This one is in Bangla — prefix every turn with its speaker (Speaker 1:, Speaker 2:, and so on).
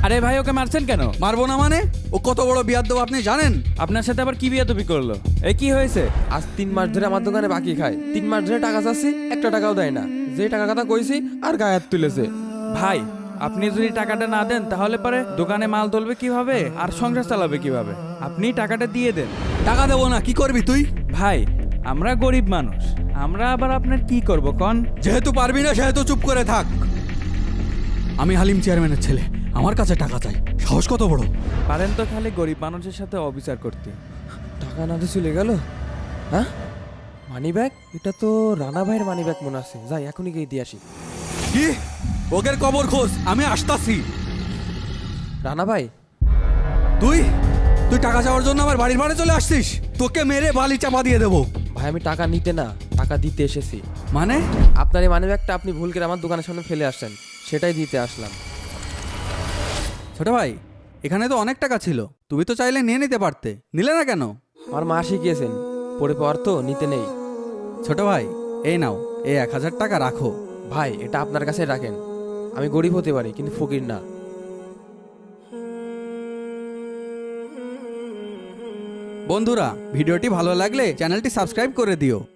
Speaker 1: আরে ভাই ওকে মারছেন কেন?
Speaker 2: মারবো না মানে? ও কত বড় বিয়াদ্দব আপনি জানেন?
Speaker 1: আপনার সাথে আবার কি বিয়াদবি করলো? এই কি হয়েছে?
Speaker 3: আজ 3 মাস ধরে আমার দোকানে বাকি খায়। 3 মাস ধরে টাকা চাচ্ছি, একটা টাকাও দেয় না। যে টাকা কথা কইছি আর গায়ে হাত তুলেছে।
Speaker 1: ভাই আপনি যদি টাকাটা না দেন তাহলে পরে দোকানে মাল তুলবে কিভাবে আর সংসার চালাবে কিভাবে? আপনি টাকাটা দিয়ে দেন।
Speaker 2: টাকা দেবো না, কি করবি তুই?
Speaker 1: ভাই আমরা গরিব মানুষ, আমরা আবার আপনার কি করব কন?
Speaker 2: যেহেতু পারবি না সেহেতু চুপ করে থাক। আমি হালিম চেয়ারম্যানের ছেলে, আমার কাছে টাকা চাই। সাহস কত বড়!
Speaker 1: পারেন তো খালি গরিব মানুষের সাথে অবিচার করতে।
Speaker 3: টাকা না দিয়ে চলে গেল। হ্যাঁ, মানি ব্যাগ? এটা তো রানা ভাইয়ের মানি ব্যাগ মনে আছে। যাই এখনই গিয়ে দিয়ে আসি।
Speaker 2: কি? ওদের কবর খোঁজ, আমি আসতাছি।
Speaker 3: রানা ভাই,
Speaker 2: তুই তুই টাকা চাওয়ার জন্য আমার বাড়ির বাড়ি চলে আসছিস? তোকে মেরে বালি চাপা দিয়ে দেবো।
Speaker 3: ভাই আমি টাকা নিতে না, টাকা দিতে এসেছি।
Speaker 2: মানে?
Speaker 3: আপনার এই মানি ব্যাগটা আপনি ভুল করে আমার দোকানের সামনে ফেলে আসছেন, সেটাই দিতে আসলাম।
Speaker 2: ছোট ভাই, এখানে তো অনেক টাকা ছিল, তুমি তো চাইলে নিয়ে নিতে পারতে, নিলে না কেন?
Speaker 3: আমার মা শিখিয়েছেন, পড়ে পাওয়ার তো নিতে নেই।
Speaker 2: ছোট ভাই, এই নাও, এই 1000 টাকা রাখো।
Speaker 3: ভাই এটা আপনার কাছে রাখেন। আমি গরিব হতে পারি কিন্তু ফকির না।
Speaker 2: বন্ধুরা, ভিডিওটি ভালো লাগলে চ্যানেলটি সাবস্ক্রাইব করে দিও।